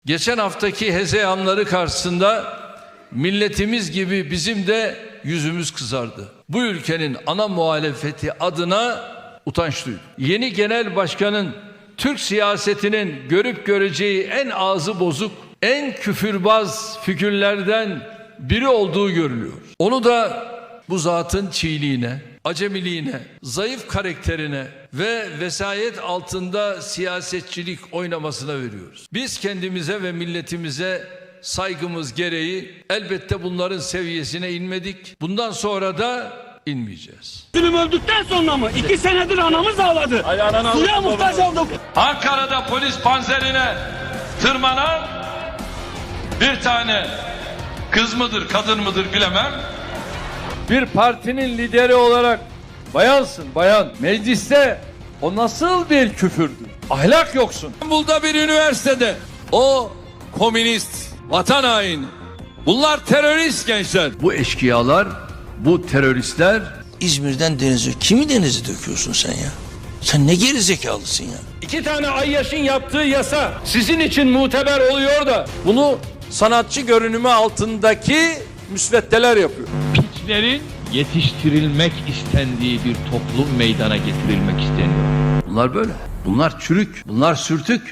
Geçen haftaki hezeyanları karşısında milletimiz gibi bizim de yüzümüz kızardı. Bu ülkenin ana muhalefeti adına utanç duydum. Yeni genel başkanın Türk siyasetinin görüp göreceği en ağzı bozuk, en küfürbaz figürlerden biri olduğu görülüyor. Onu da bu zatın çiğliğine, acemiliğine, zayıf karakterine ve vesayet altında siyasetçilik oynamasına veriyoruz. Biz kendimize ve milletimize saygımız gereği elbette bunların seviyesine inmedik. Bundan sonra da inmeyeceğiz. Zulüm öldükten sonra mı? 2 senedir anamız ağladı. Suya muhtaç olduk. Ankara'da polis panzerine tırmanan bir tane kız mıdır, kadın mıdır bilemem. Bir partinin lideri olarak bayansın bayan. Mecliste o nasıl bir küfürdür? Ahlak yoksun. İstanbul'da bir üniversitede o komünist, vatan haini. Bunlar terörist gençler. Bu eşkıyalar, bu teröristler. İzmir'den denize, kimi denize döküyorsun sen ya? Sen ne gerizekalısın ya? 2 tane Ayyaş'ın yaptığı yasa sizin için muteber oluyor da bunu sanatçı görünümü altındaki müsveddeler yapıyor. Piçlerin yetiştirilmek istendiği bir toplum meydana getirilmek isteniyor. Bunlar böyle. Bunlar çürük, bunlar sürtük.